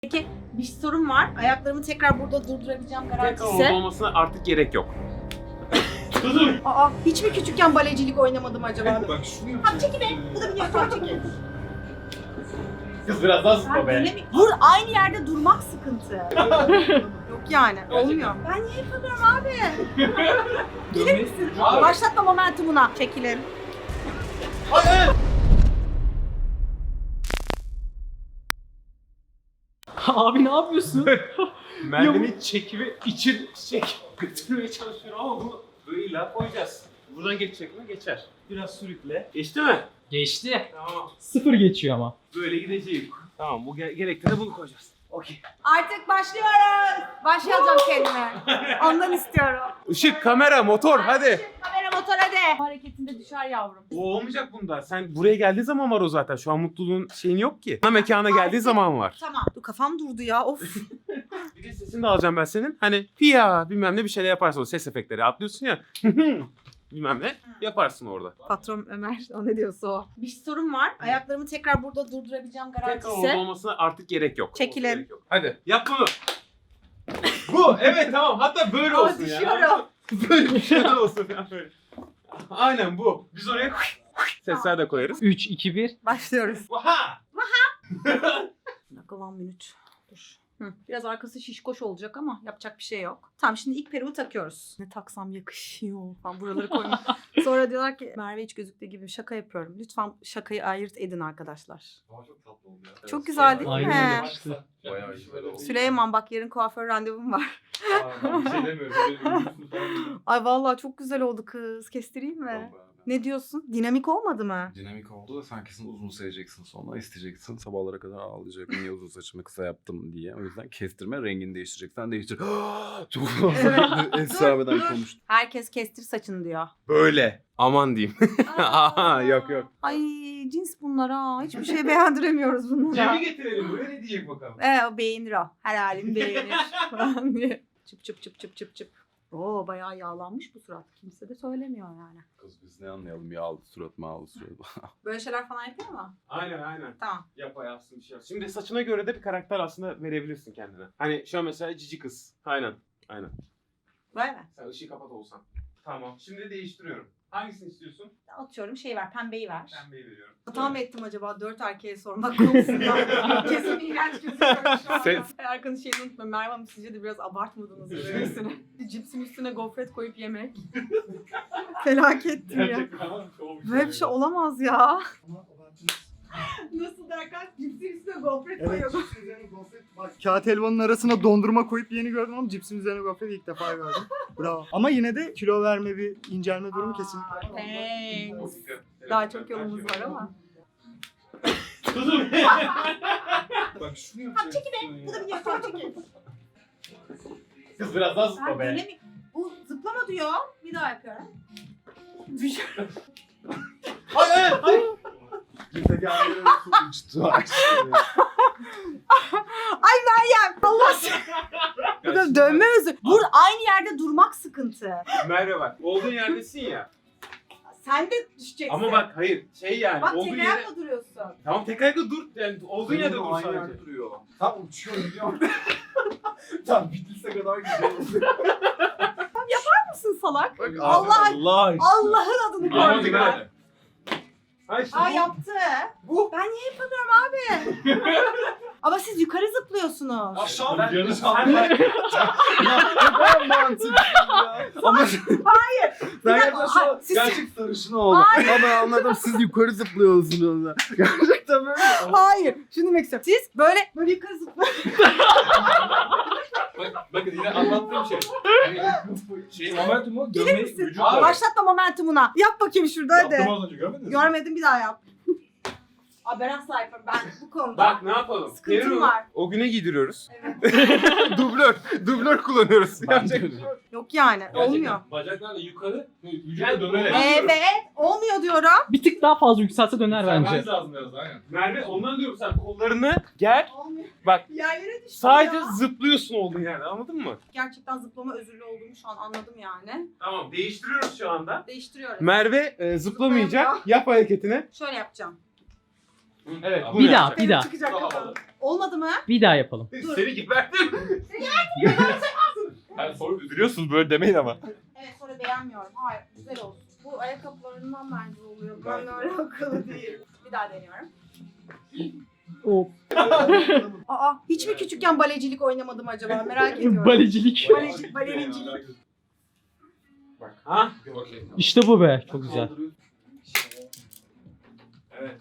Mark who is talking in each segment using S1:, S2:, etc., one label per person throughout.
S1: Peki bir sorun var. Ayaklarımı tekrar burada durdurabileceğim
S2: Tekrar
S1: garantisi.
S2: orada olmasına artık gerek yok.
S1: Aa, hiç mi küçükken balecilik oynamadım acaba?
S3: Bak şunu
S1: Abi
S3: yapacağım.
S1: çekil be. Bu da bir yapar çekil.
S2: Kız biraz daha
S1: Ben
S2: zıpla be.
S1: denemi- Dur, aynı yerde durmak sıkıntı. Yok yani olmuyor. Ben niye yapamıyorum abi? Gelir misin?
S2: Abi.
S1: Başlatma momentumuna. Çekilin.
S4: Abi ne yapıyorsun?
S2: Merve'nin çekimi için götürmeye çalışıyorum ama bunu böyle illa koyacağız. Buradan geçecek mi? Geçer. Biraz sürükle. Geçti mi?
S4: Geçti.
S2: Tamam.
S4: 0 geçiyor ama.
S2: Böyle gideceğim. Tamam bu gerekti de bunu koyacağız. Okey.
S1: Artık başlıyoruz. Başlayacağım kendime. Ondan istiyorum.
S2: Işık, kamera, motor hadi.
S1: Kamera motor hadi. Hareketinde düşer yavrum.
S2: O olmayacak bunda. Sen buraya geldiği zaman var o zaten. Şu an mutluluğun şeyin yok ki. Ana mekana geldiği zaman var.
S1: Tamam. Dur kafam durdu ya of.
S2: Bir de sesini de alacağım ben senin. Hani ya bilmem ne bir şeyler yaparsın. O ses efektleri atlıyorsun ya. bilmem ne yaparsın orada.
S1: Patron Ömer o ne diyorsa o. Bir sorun var. Ayaklarımı tekrar burada durdurabileceğim
S2: Tekrar orada
S1: garantisi.
S2: olmasına artık gerek yok.
S1: Çekilin.
S2: Gerek yok. Hadi yap bunu. Bu evet tamam hatta böyle
S1: Aa,
S2: olsun ya.
S1: düşüyorum.
S2: Böyle bir şey olsun ya böyle. Aynen bu. Biz oraya sesler de koyarız.
S4: 3, 2, 1.
S1: Başlıyoruz.
S2: Vaha!
S1: Bir dakika 1 minut. Dur. Biraz arkası şişkoş olacak ama yapacak bir şey yok. Tamam şimdi ilk peruğu takıyoruz. Ne taksam yakışıyor falan buraları koymuş. Sonra diyorlar ki Merve hiç gözüktüğü gibi şaka yapıyorum. Lütfen şakayı ayırt edin arkadaşlar.
S3: Ama çok tatlı oldu ya.
S1: Çok güzel değil mi?
S4: Aynen yakıştı.
S3: Bayağı iyi böyle oldu.
S1: Süleyman bak yarın kuaför randevum var.
S3: Aa, bir şey demiyorum. Böyle ürünsün falan.
S1: Ay vallahi çok güzel oldu kız. Kestireyim mi?
S3: Tamam be.
S1: Ne diyorsun? Dinamik olmadı mı?
S3: Dinamik oldu da sen kesin uzun seveceksin sonra isteyeceksin. Sabahlara kadar ağlayacak. Niye uzun saçımı kısa yaptım diye. O yüzden kestirme rengini değiştireceksen değiştir. Çok
S1: Evet.
S3: esrameden
S1: Dur.
S3: konuştum.
S1: Herkes kestir saçını diyor.
S2: Böyle. Aman diyeyim. Aha, yok yok.
S1: Ay cins bunlar ha. Hiçbir şey beğendiremiyoruz bunlara.
S2: getirelim buraya ne diyecek bakalım.
S1: O beğenir o. Her halim beğenir. falan diye. Çıp çıp çıp çıp çıp çıp. Oo bayağı yağlanmış bu surat. Kimse de söylemiyor yani.
S3: Kız biz ne anlayalım yağlı surat mağlı surat.
S1: Böyle şeyler falan yapıyor mu?
S2: Aynen.
S1: Tamam.
S2: Yapsın bir şey yap. Şimdi saçına göre de bir karakter aslında verebilirsin kendine. Hani şu an mesela cici kız. Aynen.
S1: Böyle mi?
S2: Sen ışığı kapat olsan. Tamam. Şimdi değiştiriyorum. Hangisini istiyorsun?
S1: Atıyorum şeyi ver. Pembeyi ver.
S2: Pembeyi veriyorum.
S1: Hata mı ettim acaba 4 erkeğe sormak konusunda? Kesin iğrenç gözüküyorum şu anda.
S2: Ses.
S1: Erkan'ın şeyini unutma. Merve Hanım sizce de biraz abartmadınız mı böylesine? Cipsin üstüne gofret koyup yemek. Felakettir ya. Böyle bir şey olamaz ya. Nasıl derken cipsin üstüne gofret
S5: Evet,
S1: koyuyor.
S5: cipsin üzerine gofret. Bak kağıt helvanın arasına dondurma koyup yeni gördüm ama cipsin üzerine gofret ilk defa gördüm. Bravo. Ama yine de kilo verme bir incelme durumu kesinlikle var.
S1: Thanks. Daha çok yolumuz var ama.
S3: Bak şunu yapacağım.
S1: Bu da bir yapar çekil.
S2: Kız biraz daha
S1: Ben
S2: zıpla be.
S1: denemi... Bu zıplama diyor. Bir daha yapıyorum.
S2: Ay.
S3: Bizdeki aileler uçtu.
S1: Ay Meryem Allah seni. Bu da dönme özü. Aynı yerde durmak sıkıntı.
S2: Merve bak. Olduğun yerdesin ya.
S1: Sen de düşeceksin.
S2: Ama bak hayır. Şey yani.
S1: Bak
S2: olduğun
S1: tek
S2: yere...
S1: ayakla duruyorsun.
S2: Tamam tek ayakta dur. Yani olduğun yerde dur
S3: Aynı
S2: sadece.
S3: yerde duruyor. Tam uçuyor biliyorum. Tam bitirse kadar güzel oldu.
S1: Mısın salak?
S3: Bak,
S1: Allah
S3: Allah
S1: Allah'ın adını
S2: Ama
S1: koydum
S2: dikkat
S1: ben.
S2: et. Ay işte
S1: Aa
S2: bu.
S1: yaptı.
S2: Bu.
S1: Ben niye yapamıyorum abi? Ama siz yukarı zıplıyorsunuz.
S3: Aşağı
S2: Ben-
S3: yarı
S2: Sen bak.
S3: Ben mantıksız ya. Ama
S1: Hayır.
S3: ben
S1: dakika,
S3: gerçekten şu an
S1: siz-
S3: gerçek sarışın oldum. Ama ben anladım siz yukarı zıplıyorsunuz. Gerçekten böyle.
S1: Hayır. Şunu demek istiyorum. Siz böyle yukarı zıplıyorsunuz.
S6: Bakın yine anlattığım şey. Şey momentumu
S1: Gelir
S6: görmeyi
S1: misin?
S6: vücut
S1: Başlatma momentumuna. Yap bakayım şurada hadi.
S6: Yaptım az önce görmediniz mi?
S1: Görmedim bir daha yap. Aa ben asla yaparım. Ben bu konuda
S2: Bak ne yapalım?
S1: sıkıntım
S2: Peruğu
S1: var.
S2: O güne giydiriyoruz.
S1: Evet.
S2: Dublör kullanıyoruz.
S6: Ben
S2: Yapacak
S6: de-
S2: bir şey yok.
S1: Yok yani
S6: Gerçekten
S1: olmuyor.
S6: Bacaklarla yukarı, vücuda
S2: Yani
S6: dönerek.
S1: Evet. Olmuyor diyorum.
S4: Bir tık daha fazla yükselse döner bence.
S6: Sermeniz lazım biraz aynen.
S2: Merve ondan diyorum sen kollarını gel.
S1: Olmuyor.
S2: Bak
S1: Yerlere düştü
S2: sadece
S1: ya.
S2: zıplıyorsun olduğun yerde anladın mı?
S1: Gerçekten zıplama özürlü olduğumu şu an anladım yani.
S2: Tamam değiştiriyoruz şu anda.
S1: Değiştiriyorum.
S2: Merve zıplamayacak.
S1: Zıplayamıyor.
S2: Yap hareketini.
S1: Şöyle yapacağım.
S2: Evet. bunu
S4: Bir daha,
S2: yapacak.
S4: bir daha.
S1: Çıkacak kafanı. Olmadı mı?
S4: Bir daha yapalım.
S2: Seni geberdim. Yani soru üzülüyorsunuz böyle demeyin ama.
S1: Evet sonra beğenmiyorum. Hayır güzel olsun. Bu ayakkabılarından bence oluyor. Benimle alakalı değil. Bir daha deniyorum.
S4: O
S1: Aa hiç mi küçükken balecilik oynamadım acaba merak ediyorum.
S4: balecilik.
S1: Balerincilik.
S2: Bak. Ha?
S4: İşte bu be. Çok güzel.
S2: Evet.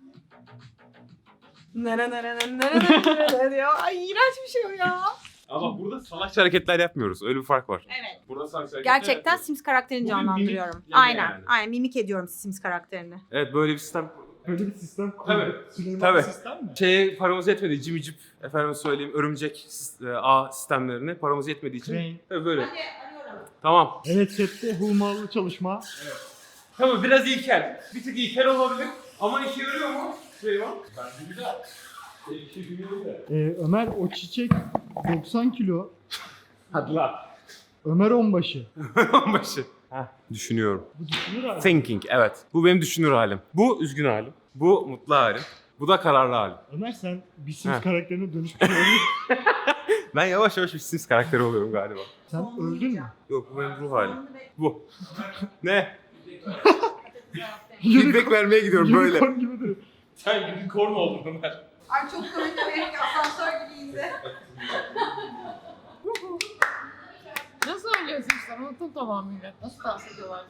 S1: Nere diyor. Ay iğrenç bir şey o ya.
S2: Ama burada salakça hareketler yapmıyoruz. Öyle bir fark var.
S1: Evet.
S2: Burada salakça hareketler
S1: Gerçekten
S2: yapıyoruz.
S1: Sims karakterini
S2: Bu bir
S1: canlandırıyorum.
S2: mimik yani
S1: Aynen.
S2: yani.
S1: Aynen mimik ediyorum Sims karakterini.
S2: Evet böyle bir sistem.
S5: Böyle bir sistem
S2: Tabii.
S5: Süleyman
S2: Tabii.
S5: sistem mi?
S2: Şeye paramız yetmedi. Cimicip, efendim söyleyeyim örümcek ağ sistemlerine paramız yetmediği için.
S5: Crane.
S2: Tabii böyle.
S1: arıyorum.
S2: Tamam.
S5: Evet sette hummalı çalışma.
S2: Tamam biraz ilkel. Bir tık ilkel olabilir. Ama işe yarıyor mu? Süleyman. Bence güzel.
S5: Ömer o çiçek 90 kilo.
S2: Hadi lan.
S5: Ömer onbaşı.
S2: Başı. Düşünüyorum.
S5: Bu düşünür abi.
S2: Thinking evet. Bu benim düşünür halim. Bu üzgün halim. Bu mutlu halim. Bu da kararlı halim.
S5: Ömer sen bir Sims
S2: Ha.
S5: karakterine dönüşmüş olabilir.
S2: Ben yavaş yavaş bir Sims karakteri oluyorum galiba.
S5: Sen öldün mü?
S2: Yok bu benim ruh halim. Bu. Ne? Feedback vermeye gidiyorum böyle.
S5: Unicorn gibi duruyor.
S2: Sen unicorn oldun Ömer.
S1: Ay çok komik evet asansör gibiyiz de.
S7: Nasıl oynuyorsun işte? Unuttum tamamıyla. Nasıl dans ediyorlardı?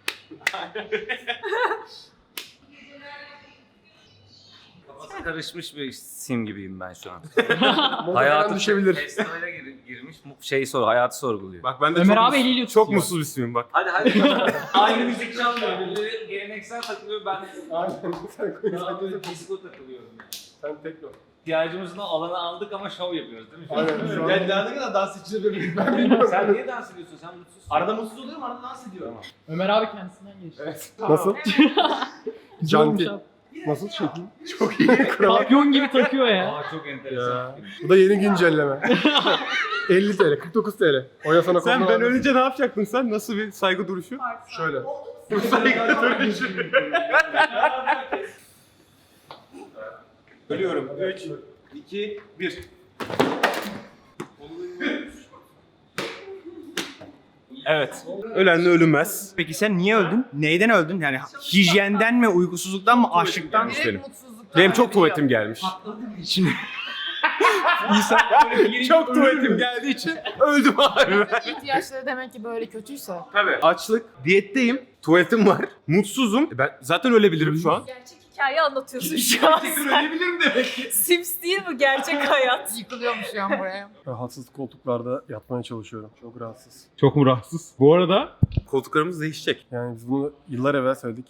S8: Kafası karışmış bir sim gibiyim ben şu an.
S2: Hayatım
S8: Hayatı
S2: düşebilir.
S8: Festivale girmiş, hayatı sorguluyor.
S2: Bak ben de
S4: Ömer
S2: çok,
S4: abi eliyle
S2: çok
S4: tutuyor.
S2: mutsuz bir simim bak.
S8: Hadi hadi. Aynı müzik çalmıyor. Birileri geleneksel takılıyor, ben daha böyle disco takılıyorum.
S2: Sen tekno.
S8: İhtiyacımızın alanı aldık ama şov yapıyoruz değil mi?
S2: Aynen. Şu an...
S6: Yani daha ne kadar dans edeceğiz böyle ben bilmiyorum.
S8: Sen niye dans ediyorsun? Sen mutsuzsun.
S6: Arada mutsuz oluyorum, arada dans ediyorum.
S4: Ömer abi kendisinden geçti.
S2: Evet.
S5: Nasıl?
S4: Güzel olmuş
S5: Canti.
S4: abi.
S5: Nasıl şekil?
S2: Çok iyi.
S4: Papyon gibi takıyor ya.
S8: Aa çok enteresan.
S5: Bu da yeni güncelleme. 50 TL, 49 TL. Oya sana
S2: Sen
S5: konu
S2: ben
S5: var.
S2: ölünce ne yapacaktın sen? Nasıl bir saygı duruşu?
S5: Şöyle.
S2: Saygı duruşu. Ölüyorum. 3, 2, 1. Evet. Ölenle ölünmez.
S9: Peki sen niye öldün? Neyden öldün? Yani hijyenden mi, uykusuzluktan mı, açlıktan mı?
S2: Benim.
S7: mutsuzluktan
S2: Benim çok
S7: ölüyor.
S2: tuvaletim gelmiş.
S9: Şimdi
S2: Çok tuvaletim geldiği için öldüm abi.
S7: İhtiyaçları demek ki böyle kötüyse.
S2: Tabii. Açlık, diyetteyim, tuvaletim var, mutsuzum. Ben zaten ölebilirim şu an.
S10: Gerçek hikaye anlatıyorsun şu an.
S2: ölebilirim demek ki.
S10: Sims değil bu gerçek hayat.
S7: Yıkılıyormuş ya buraya.
S5: Rahatsız koltuklarda yatmaya çalışıyorum. Çok rahatsız.
S2: Çok mu rahatsız? Bu arada koltuklarımız değişecek.
S5: Yani biz bunu yıllar evvel söyledik.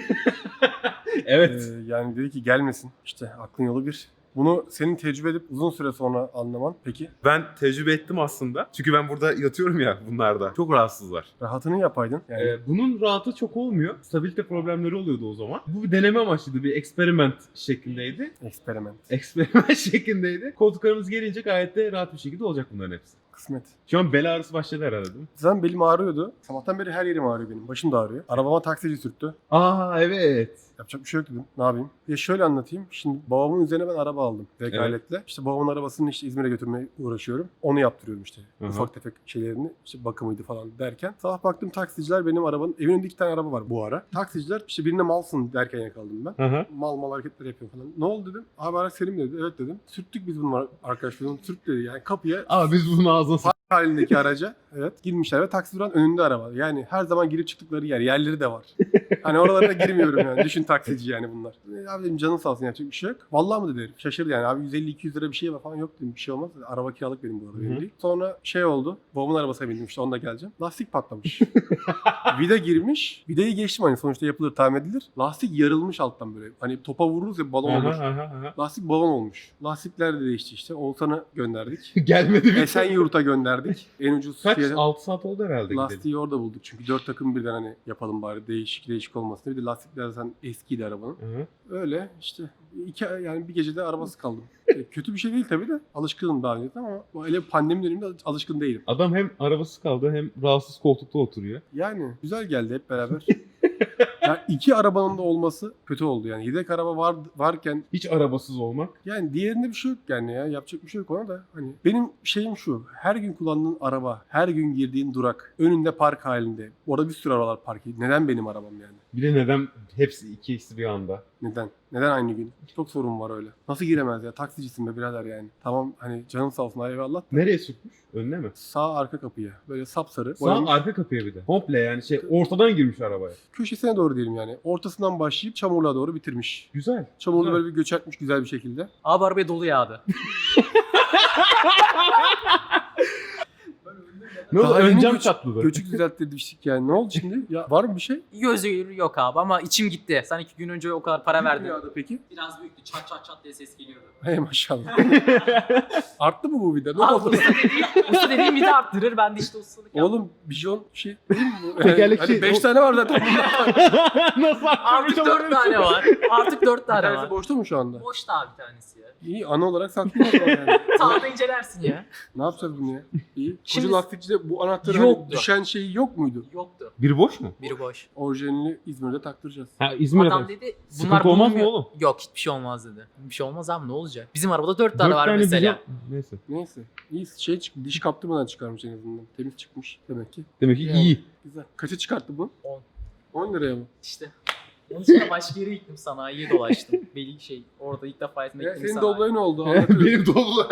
S2: Evet.
S5: Yani dedi ki gelmesin. İşte aklın yolu bir. Bunu senin tecrübe edip uzun süre sonra anlaman. Peki
S2: Ben tecrübe ettim aslında. Çünkü ben burada yatıyorum ya bunlarda. Çok rahatsızlar.
S5: rahatını yapaydın. Yani
S2: Bunun rahatı çok olmuyor. Stabilite problemleri oluyordu o zaman. Bu bir deneme amaçlıydı. Bir eksperiment şeklindeydi.
S5: eksperiment.
S2: Eksperiment şeklindeydi. Koltuklarımız gelince gayet de rahat bir şekilde olacak bunların hepsi.
S5: Kısmet.
S2: Şu an bel ağrısı başladı herhalde değil mi?
S5: Zaten belim ağrıyordu. Sabahtan beri her yerim ağrıyor benim. Başım da ağrıyor. Arabama taksici sürttü.
S2: Aa evet.
S5: Yapacak bir şey yok dedim. Ne yapayım? Ya şöyle anlatayım. Şimdi babamın üzerine ben araba aldım. Vekaletle. İşte babamın arabasını işte İzmir'e götürmeye uğraşıyorum. Onu yaptırıyorum işte.
S2: Hı hı.
S5: Ufak tefek şeylerini. İşte bakımıydı falan derken. Sabah baktım taksiciler benim arabanın. Evin önünde 2 tane araba var bu ara. Taksiciler işte birine malsın derken yakaladım ben.
S2: Hı hı.
S5: Mal hareketler yapıyor falan. Ne oldu dedim. Abi araç senin mi dedi. Evet dedim. Sürttük biz bunu arkadaşlarım. Sürt dedi. Yani kapıya
S2: Aa biz bunun ağzına
S5: halindeki araca evet girmişler ve taksi duran önünde araba. Yani her zaman girip çıktıkları yerleri de var. Hani oralara da girmiyorum yani. Düşün taksici yani bunlar. Abi dedim canın sağ olsun yapacak bir şey yok. Vallahi mı dedi herif. Şaşırdı yani. Abi 150-200 lira bir şey var falan yok dedim. Bir şey olmaz. Araba kiralık benim bu arada benim değil. Sonra şey oldu. Babamın arabasına bindim işte onunla geleceğim. Lastik patlamış. Vida girmiş. Vidayı geçtim hani sonuçta yapılır tamir edilir. Lastik yarılmış alttan böyle. Hani topa vururuz ya balon olur. Lastik balon olmuş. Lastikler de değişti işte. Oğuzhan'a gönderdik.
S2: Gelmedi bir
S5: Esenyurt'a gönderdik. En ucuz
S2: Kaç?
S5: fiyatı.
S2: 6 saat oldu herhalde gidelim.
S5: Lastiği orada bulduk çünkü 4 takım birden hani yapalım bari değişik olmasın diye. Bir de lastikler zaten eskiydi arabanın.
S2: Hı.
S5: Öyle işte yani bir gecede arabası kaldım. Kötü bir şey değil tabii de alışkınım daha önce ama öyle pandemi döneminde alışkın değilim.
S2: Adam hem arabası kaldı hem rahatsız koltukta oturuyor.
S5: Yani güzel geldi hep beraber. Yani 2 arabanın da olması kötü oldu yani. Yedek araba varken
S2: Hiç arabasız olmak.
S5: yani diğerinde bir şey yok yani ya. Yapacak bir şey yok ona da. Hani benim şeyim şu. Her gün kullandığın araba, her gün girdiğin durak, önünde park halinde. Orada bir sürü arabalar park ediyor. Neden benim arabam yani?
S2: Bir de neden hepsi ikisi bir anda?
S5: Neden? Neden aynı gün? Çok sorun var öyle. Nasıl giremez ya? Taksicisin be birader yani. Tamam hani canın sağ olsun eyvallah.
S2: Nereye sürtmüş? Önüne mi?
S5: Sağ arka kapıya. Böyle sapsarı.
S2: Sağ
S5: boyamış.
S2: arka kapıya bir de. Komple yani ortadan girmiş arabaya.
S5: Köşesine doğru diyelim yani. Ortasından başlayıp çamurluğa doğru bitirmiş.
S2: Güzel.
S5: Çamurlu
S2: Güzel.
S5: böyle bir göçertmiş güzel bir şekilde.
S8: Abi arabaya dolu yağdı.
S2: Ne oldu?
S5: Daha
S2: Ön
S5: yeni
S2: cam çatladı.
S5: Göçük düzelttirmiştik yani. Ne oldu şimdi? Ya var mı bir şey?
S8: Gözü yok abi ama içim gitti. Sen 2 gün önce o kadar para verdin.
S5: Dünyada peki?
S8: Biraz büyüktü. Çat çat çat diye ses geliyordu.
S5: Hey maşallah. Arttı mı bu vida? Ne
S8: Abi
S5: oldu?
S8: usta dediğim bir de arttırır. Ben de işte ustalık yaptım.
S5: Oğlum bijon şey değil mi bu?
S2: Tekerlekli-
S5: Hani 5 tane var zaten.
S2: Nasıl
S8: Artık 4 tane var. Artık 4
S5: Bir
S8: tane
S5: tanesi
S8: var.
S5: boşta mı şu anda?
S8: Boş da bir tanesi ya.
S5: İyi ana olarak saklıyor o zaman yani.
S8: Sağda incelersin ya.
S5: Ne yapacağız bunu ya? İyi.
S8: Şimdi-
S5: Koca lastikçide bu anahtarı
S8: Yoktu.
S5: hani düşen şeyi yok muydu?
S8: Yoktu.
S2: Biri boş mu?
S8: Biri boş.
S5: Orijinalini İzmir'de taktıracağız.
S2: Ha İzmir'e
S8: Adam
S2: bak.
S8: dedi
S2: Sıkıntı olmaz mı
S8: bulunmuyor.
S2: oğlum?
S8: Yok hiçbir şey olmaz dedi. Bir şey olmaz abi ne olacak? Bizim arabada 4
S2: 4
S8: tane var mesela.
S2: Neyse.
S5: Neyse. İyi şey çıktı. Diş kaptırmadan çıkarmış en azından. Temiz çıkmış demek ki.
S2: Demek ki
S5: Yani.
S2: iyi.
S5: Güzel. Kaça çıkarttı bu?
S8: 10.
S5: 10 liraya mı?
S8: İşte. Onun için de başka yere gittim sanayiye dolaştım. Belli şey orada ilk defa etmek
S5: Ya
S8: gittim
S5: senin
S8: sanayi.
S5: Doblo'ya ne oldu? Anlatırım.
S9: Benim Doblo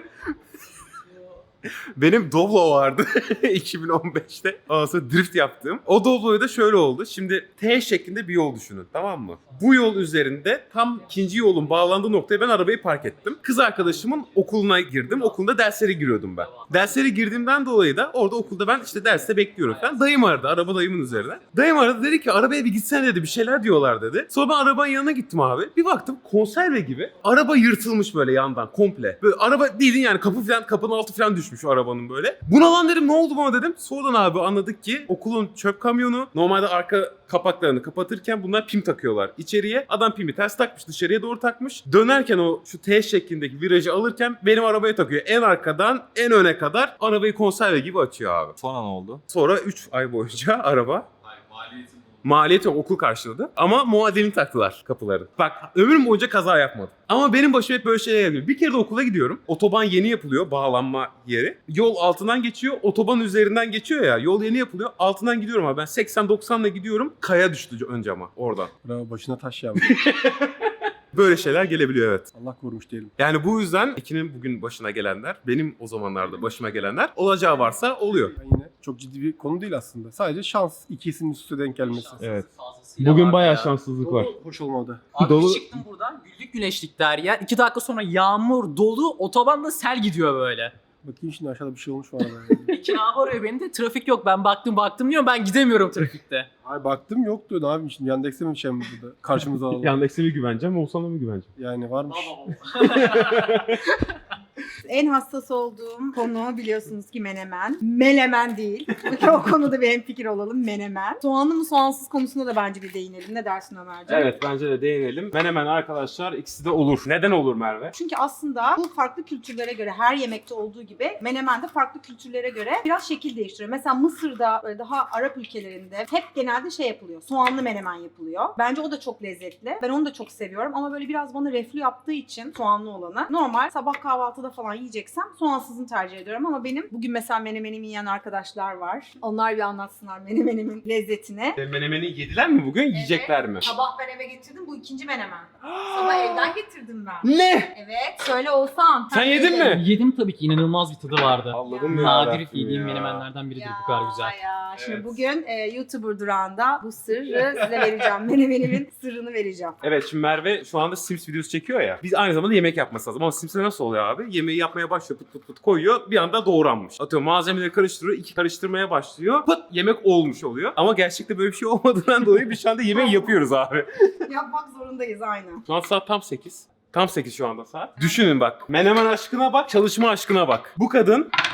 S9: Benim Doblo vardı 2015'te. Ondan sonra drift yaptım. O Doblo'ya da şöyle oldu. Şimdi T şeklinde bir yol düşünün, tamam mı? Bu yol üzerinde tam ikinci yolun bağlandığı noktaya ben arabayı park ettim. Kız arkadaşımın okuluna girdim. Okulunda derslere giriyordum ben. Derslere girdiğimden dolayı da orada okulda ben işte derste bekliyorum falan. Dayım aradı, araba dayımın üzerine. Dayım aradı, dedi ki arabaya bir gitsene dedi, bir şeyler diyorlar dedi. Sonra ben arabanın yanına gittim abi. Bir baktım konserve gibi. Araba yırtılmış böyle yandan komple. Böyle araba değilin yani kapının altı falan düşmüş o arabanın böyle. Buna lan dedim, ne oldu bana dedim. Sonradan abi anladık ki okulun çöp kamyonu normalde arka kapaklarını kapatırken bunlar pim takıyorlar içeriye. Adam pimi ters takmış, dışarıya doğru takmış. Dönerken o şu T şeklindeki virajı alırken benim arabaya takıyor. En arkadan en öne kadar arabayı konserve gibi açıyor abi.
S3: Sonra ne oldu?
S9: Sonra 3 ay boyunca araba maliyeti okul karşıladı ama muadilini taktılar kapıların. Bak ömrüm boyunca kaza yapmadım. Ama benim başıma hep böyle şeyler geliyor. Bir kere de okula gidiyorum. Otoban yeni yapılıyor, bağlanma yeri. Yol altından geçiyor, otoban üzerinden geçiyor ya. Yol yeni yapılıyor. Altından gidiyorum abi. Ben 80-90'la gidiyorum. Kaya düştü ön cama orada.
S5: Bravo, başına taş yağmış.
S9: Böyle şeyler gelebiliyor evet.
S5: Allah korumuş diyelim.
S9: Yani bu yüzden Ekin'in bugün başına gelenler, benim o zamanlarda başıma gelenler olacağı varsa oluyor.
S5: Ben yine çok ciddi bir konu değil aslında. Sadece şans, ikisinin üst üste denk gelmesi.
S2: Evet.
S8: Fazlasıyla
S2: Bugün
S8: vardı
S2: bayağı
S8: ya.
S2: şanssızlık var.
S5: Hoş olmadı.
S8: Abi
S2: Dolu-
S8: bir çıktım buradan güllük güneşlik der ya. 2 dakika sonra yağmur dolu otobanda sel gidiyor böyle.
S5: Bakayım şimdi aşağıda bir şey olmuş mu arada? Yani.
S8: Ekin abi arıyor beni de trafik yok. Ben baktım diyorum ben gidemiyorum trafikte.
S5: Ay baktım yoktu. Ne yapayım şimdi? Yandex'e mi bir şey mi burada? Karşımıza alalım.
S2: Yandeks'e mi güveneceğim, Oğuzhan'a mı güveneceğim?
S5: Yani varmış.
S1: En hassas olduğum konu biliyorsunuz ki menemen. Menemen değil. O konuda bir hemfikir olalım, menemen. Soğanlı mı soğansız konusunda da bence bir değinelim. Ne dersin Ömerciğim?
S2: Evet bence de değinelim. Menemen arkadaşlar ikisi de olur. Neden olur Merve?
S1: Çünkü aslında bu farklı kültürlere göre, her yemekte olduğu gibi menemen de farklı kültürlere göre biraz şekil değiştiriyor. Mesela Mısır'da, böyle daha Arap ülkelerinde hep genelde şey yapılıyor. Soğanlı menemen yapılıyor. Bence o da çok lezzetli. Ben onu da çok seviyorum ama böyle biraz bana reflü yaptığı için soğanlı olanı. Normal sabah kahvaltıda falan yiyeceksem soğansızını tercih ediyorum ama benim bugün mesela menemenimi yiyen arkadaşlar var. Onlar bir anlatsınlar menemenimin lezzetini.
S9: Menemeni yediler mi bugün? Yiyecekler mi?
S1: Sabah ben eve getirdim. Bu ikinci menemen. Sabah evden getirdim ben.
S9: Ne?
S1: Evet. Söyle Oğuzhan.
S9: Sen yedin mi?
S4: Yedim tabii ki, inanılmaz bir tadı vardı.
S9: Allah'ım
S4: Nadir yediğim menemenlerden biridir bu kadar güzel.
S1: Ya. Şimdi
S9: Evet.
S1: bugün YouTuber durağında bu sırrı size vereceğim. Menemenimin sırrını vereceğim.
S9: Evet şimdi Merve şu anda Sims videosu çekiyor ya. Biz aynı zamanda yemek yapması lazım. Ama Sims'e nasıl oluyor abi? Yemeği yapmaya başlıyor, pıt pıt pıt koyuyor. Bir anda doğranmış. Atıyorum malzemeleri karıştırıyor, karıştırmaya başlıyor. Pıt yemek olmuş oluyor. Ama gerçekte böyle bir şey olmadığından dolayı biz şu anda yemeği yapıyoruz abi.
S1: Yapmak zorundayız aynen.
S9: Şu an saat tam 8. Tam 8 şu anda saat. Düşünün bak. Menemen aşkına bak, çalışma aşkına bak. Bu kadın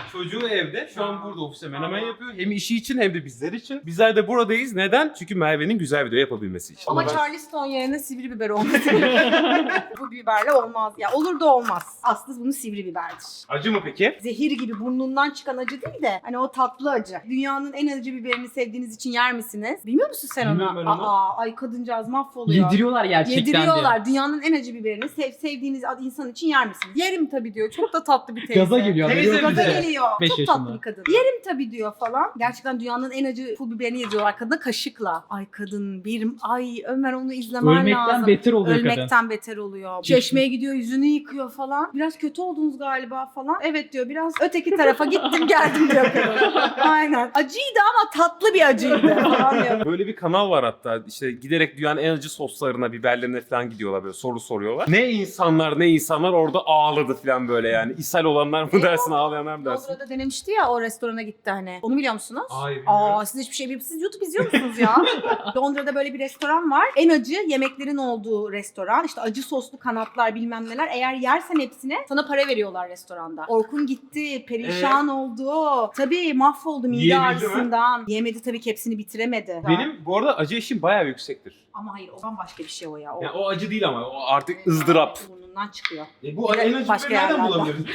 S9: Çocuğu evde. Şu an burada ofiste menemen yapıyor. Hem işi için hem de bizler için. Bizler de buradayız. Neden? Çünkü Merve'nin güzel video yapabilmesi için.
S1: Ama Charleston yerine sivri biber olması. Bu biberle olmaz. Ya olur da olmaz. Aslı bunu sivri biberdir.
S9: Acı mı peki?
S1: Zehir gibi burnundan çıkan acı değil de hani o tatlı acı. Dünyanın en acı biberini sevdiğiniz için yer misiniz? Bilmiyor musun sen
S4: Bilmiyorum ben
S1: onu?
S4: onu.
S1: Ay kadıncağız mahvoluyor.
S4: Yediriyorlar gerçekten diye.
S1: Yediriyorlar. Dünyanın en acı biberini sevdiğiniz insan için yer misiniz? Yerim tabii diyor. Çok da tatlı bir teyze.
S4: Gaza geliyor.
S9: Teyze
S4: Biliyor
S1: Gaza
S4: musun?
S1: geliyor.
S4: 5
S1: Çok
S4: yaşında.
S1: tatlı bir kadın. Yerim tabii diyor falan. Gerçekten dünyanın en acı pul biberini yediriyorlar kadına kaşıkla. Ay kadın ay Ömer onu izlemen
S4: Ölmekten
S1: lazım.
S4: beter oluyor kadın.
S1: Ölmekten beter oluyor. Çeşmeye gidiyor yüzünü yıkıyor falan. Biraz kötü oldunuz galiba falan. Evet diyor biraz öteki tarafa gittim geldim diyor kadın. Aynen. Acıydı ama tatlı bir acıydı falan diyor.
S9: Böyle bir kanal var hatta. İşte giderek dünyanın en acı soslarına, biberlerine falan gidiyorlar böyle soru soruyorlar. Ne insanlar orada ağladı falan böyle yani. İshal olanlar mı dersin, ağlayanlar mı dersin?
S1: Londra'da denemişti ya o restorana gitti hani. Onu biliyor musunuz?
S9: Hayır, bilmiyorum.
S1: Siz hiçbir şey bilmiyorsunuz. Siz YouTube izliyor musunuz ya? Londra'da böyle bir restoran var. En acı yemeklerin olduğu restoran. İşte acı soslu kanatlar bilmem neler. Eğer yersen hepsine sana para veriyorlar restoranda. Orkun gitti. Perişan oldu. Tabii mahvoldu mide
S9: Yiyebildi mi?
S1: ağrısından. Yemedi tabii ki hepsini bitiremedi.
S9: Benim bu arada acı eşiğim bayağı yüksektir.
S1: Ama hayır o bambaşka bir şey o ya. O
S9: Yani o acı değil ama o artık ızdırap.
S1: burnundan çıkıyor.
S9: Bu en acı
S1: Başka
S9: biberi nereden
S1: yerlerden.
S9: bulabiliriz?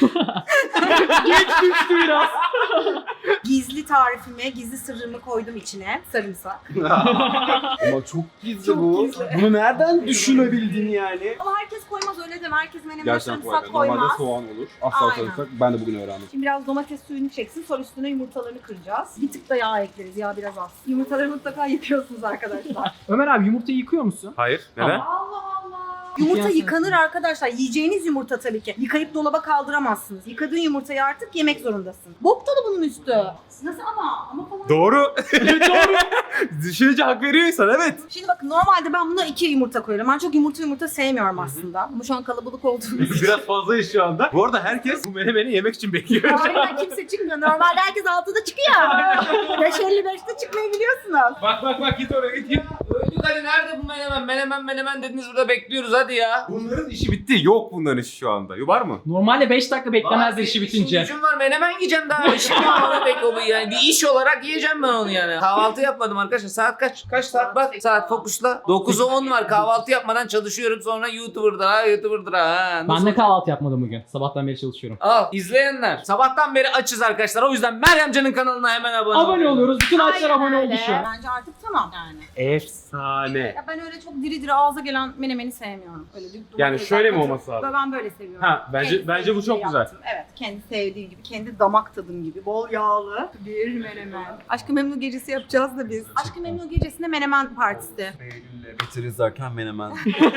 S4: Geç düştü biraz.
S1: Gizli tarifimi, gizli sırrımı koydum içine. Sarımsak.
S3: Ama çok gizli
S1: Çok
S3: bu.
S1: gizli.
S3: Bunu nereden düşünebildin yani?
S1: Ama herkes koymaz öyle deme. Herkes menemene
S3: Gerçekten
S1: sarımsak
S3: koyar. Normalde
S1: koymaz.
S3: soğan olur. Asla
S1: Aynen.
S3: sarımsak. Ben de bugün öğrendim.
S1: Şimdi biraz domates suyunu çeksin. Sonra üstüne yumurtalarını kıracağız. Bir tık da yağ ekleriz. Yağ biraz az. Yumurtaları mutlaka yıkıyorsunuz arkadaşlar.
S4: Ömer abi yumurtayı yıkıyor musun?
S9: Hayır. Neden?
S1: Allah Allah. Yumurta
S4: Yıkayan
S1: yıkanır arkadaşlar. Yiyeceğiniz yumurta tabii ki. Yıkayıp dolaba kaldıramazsınız. Yıkadığın yumurtayı artık yemek zorundasın. Bok dolu bunun üstü. Nasıl ama? Ama falan.
S9: Doğru. Doğru. Düşününce hak veriyor insan, evet.
S1: Şimdi bakın normalde ben buna 2 yumurta koyuyorum. Ben çok yumurta sevmiyorum aslında. Ama şu an kalabalık olduğumuz için.
S9: Biraz fazlayız şu anda. Bu arada herkes bu menemeni yemek için bekliyor.
S1: Aynen kimse çıkmıyor. Normalde herkes 6'da çıkıyor. 5.55'te çıkmayı biliyorsunuz.
S9: Bak git oraya git.
S8: Öldük hadi nerede bu menemen dediniz burada bekliyoruz hadi ya.
S9: Bunların işi bitti. Yok bunların işi şu anda. Var mı?
S4: Normalde 5 dakika beklemezler işi bitince.
S8: İşim var menemen yiyeceğim daha. İşim var yani. Bir iş olarak yiyeceğim ben onu yani. Kahvaltı yapmadım arkadaşlar. Saat kaç? Kaç saat? Bak saat fokusla. 9'a 10 var. Kahvaltı yapmadan çalışıyorum. Sonra YouTuber'dır ha.
S4: Ben de kahvaltı yapmadım bugün. Sabahtan beri çalışıyorum.
S8: Al izleyenler. Sabahtan beri açız arkadaşlar. O yüzden Meryem Can'ın kanalına hemen
S4: Abone oluyoruz. Bütün açlar abone oldu şu an.
S1: Bence artık tamam yani.
S9: Efsane.
S1: Ya ben öyle çok diri diri ağza gelen menemeni sevmiyorum. Öyle bir
S9: Yani şöyle mi olması lazım?
S1: Ben böyle seviyorum.
S9: Ha, bence
S1: Kendi
S9: bu çok
S1: sevdiğim
S9: güzel.
S1: yaptım. Evet, kendi sevdiğim gibi, kendi damak tadım gibi, bol yağlı bir menemen. Aşk-ı Memnu gecesi yapacağız da biz. Aşk-ı Memnu gecesinde menemen partisi.
S3: Eylül'le biteriz derken menemen.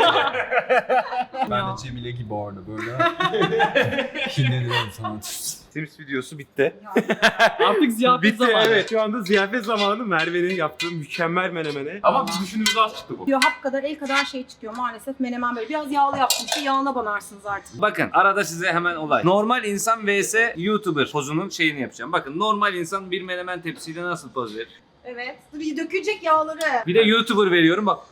S3: Ben de Cemile gibi orada böyle. Kinleniyorum sana.
S9: Sims videosu bitti.
S4: Artık ziyafet
S9: Bitti
S4: zamanı.
S9: evet. Şu anda ziyafet zamanı Merve'nin yaptığı mükemmel menemene. Ama biz düşündüğümüz az çıktı bu.
S1: Diyor hap kadar el kadar şey çıkıyor maalesef menemen böyle. Biraz yağlı yaptım ki yağına banarsınız artık.
S8: Bakın arada size hemen olay. Normal insan vs YouTuber pozunun şeyini yapacağım. Bakın normal insan bir menemen tepsiyle nasıl poz verir?
S1: Evet. Bir dökülecek yağları.
S8: Bir de YouTuber veriyorum bak.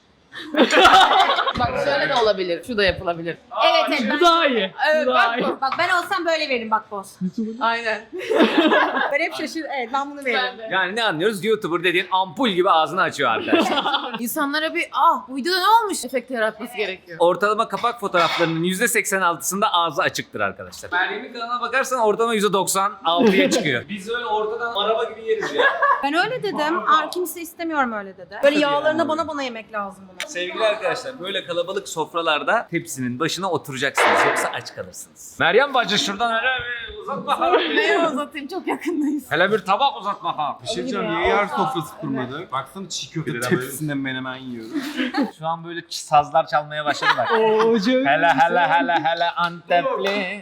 S7: Bak şöyle de olabilir. Şu da yapılabilir.
S1: Evet evet.
S4: Bu daha iyi.
S7: Evet,
S4: Bu daha iyi.
S1: Bak ben olsam böyle veririm bak boz.
S7: Aynen.
S1: Ben hep şaşır. Evet ben bunu veririm.
S7: Ben de.
S8: Yani ne anlıyoruz? YouTuber dediğin ampul gibi ağzını açıyor arkadaşlar.
S7: İnsanlara bir bu videoda ne olmuş efekti yaratması gerekiyor.
S8: Ortalama kapak fotoğraflarının %86'sında ağzı açıktır arkadaşlar. Meryem'in kanalına bakarsan ortalama %96'ya çıkıyor. Biz öyle ortadan araba gibi yeriz ya.
S1: Ben öyle dedim. Kimse istemiyorum öyle dedi. Böyle yağlarına bana yemek lazım bunu.
S8: Sevgili arkadaşlar böyle kalabalık sofralarda tepsinin başına oturacaksınız yoksa aç kalırsınız. Meryem bacı şuradan hele bir uzat bakalım.
S7: Neye uzatayım çok yakındayız.
S8: Hele bir tabak uzat bakalım.
S3: Bir şey diyeceğim, niye yer sofrası kurmadı? Baksana çiğ köfte tepsisinde menemen yiyoruz.
S8: Şu an böyle sazlar çalmaya başladı bak.
S4: Oo, canım.
S8: hele Antepli.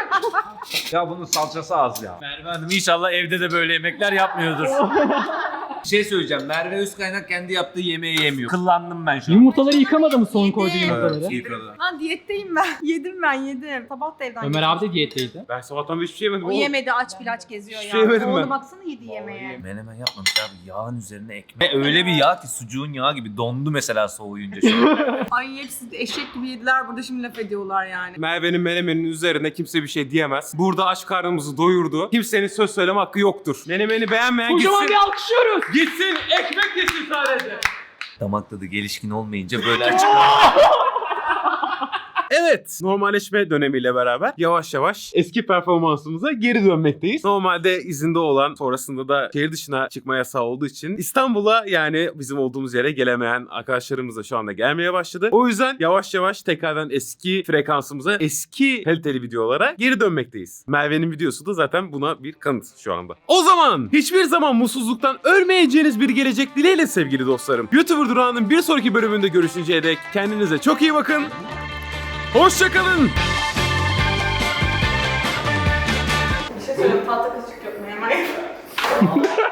S8: Ya bunun salçası az ya. Merve Hanım inşallah evde de böyle yemekler yapmıyordur. Bir şey söyleyeceğim. Merve Özkaynak kendi yaptığı yemeği yemiyor. Kıllandım ben şu an.
S4: Yumurtaları yıkamadı mı son koyduğu
S1: Yedim.
S4: yumurtaları?
S8: Yıkadı.
S1: Lan diyetteyim ben. Yedim ben yedim. Sabah da evden
S4: Ömer
S1: yedim.
S4: abi de diyetteydi.
S9: Ben sabahtan beri hiçbir şey yemedim
S1: O
S9: oğlum.
S1: yemedi aç bilaç geziyor
S9: Hiçbir
S1: ya.
S9: şey yemedim
S1: Oğlum
S9: ben.
S1: baksana yediği yemeğe.
S8: Menemen yapmamış abi. Yağın üzerine ekmek. Öyle bir yağ ki sucuğun yağı gibi dondu mesela soğuyunca şu an.
S1: Ay hepsi eşek gibi yediler burada şimdi laf ediyorlar yani.
S9: Merve'nin menemenin üzerine kimse bir şey diyemez. Burada aç karnımızı doyurdu. Kimsenin söz söyleme hakkı yoktur. Menemeni beğenmeyen
S4: Kocaman
S9: gitsin.
S4: bir alkışlıyoruz.
S9: Gitsin ekmek yesin sadece.
S8: Damak tadı gelişkin olmayınca böyle açık.
S9: Evet, normalleşme dönemiyle beraber yavaş yavaş eski performansımıza geri dönmekteyiz. Normalde izinde olan, sonrasında da şehir dışına çıkma yasağı olduğu için İstanbul'a, yani bizim olduğumuz yere gelemeyen arkadaşlarımız da şu anda gelmeye başladı. O yüzden yavaş yavaş tekrardan eski frekansımıza, eski kaliteli videolara geri dönmekteyiz. Merve'nin videosu da zaten buna bir kanıt şu anda. O zaman hiçbir zaman mutsuzluktan ölmeyeceğiniz bir gelecek dileğiyle sevgili dostlarım. YouTuber Durağı'nın bir sonraki bölümünde görüşünceye dek kendinize çok iyi bakın. Hoşçakalın.
S1: Bir şey söyleyeyim tahta kaşık yok mu hemen?